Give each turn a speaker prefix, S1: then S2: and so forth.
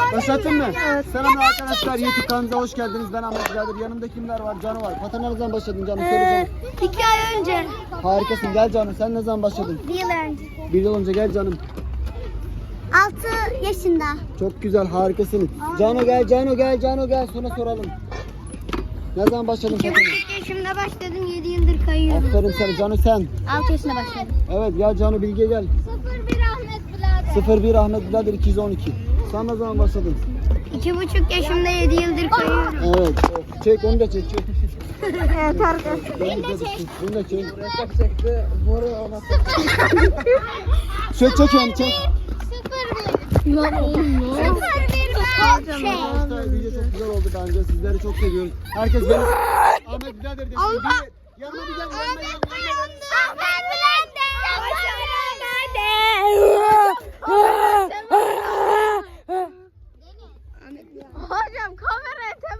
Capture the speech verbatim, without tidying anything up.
S1: Başlattın mı? Evet. Selam arkadaşlar, YouTube kanalımıza hoş geldiniz. Ben Ahmet Birader. Yanımda kimler var? Canı var. Patana ne zaman başladın Canı? Söyle
S2: Ee,
S1: canım.
S2: iki ay önce.
S1: Harikasın. Gel Canım. Sen ne zaman başladın?
S2: Bir yıl önce.
S1: Bir yıl önce gel canım.
S2: Altı yaşında.
S1: Çok güzel, harikasın. Cano gel, Cano gel, Cano gel. Sonra soralım. Ne zaman başladın
S2: İki
S1: Patana?
S2: buçuk yaşımda başladım. Yedi yıldır kayıyorum.
S1: Aferin sana Cano sen.
S2: Altı yaşında başladım.
S1: Evet gel Cano Bilge gel.
S2: Sıfır bir Ahmet Birader.
S1: sıfır bir Ahmet Birader iki yüz on iki. Sen ne zaman başladın?
S2: İki buçuk yaşımda yedi yıldır kayıyorum.
S1: Evet. Çek onu da çek. Çek.
S2: Evet arkadaşlar.
S1: Beni de çek. Bunu da çek. çekti. Boru ona. Çek çek yani çek.
S2: Sıfır bir. Sıfır bir Ahmet.
S1: Arkadaşlar video çok güzel oldu bence. Sizleri çok seviyoruz. Herkes beni Ahmet Birader desin. Bir yanıma bir gel. Yanıma yanıma yanıma.
S2: Ahmet Birader. Ahmet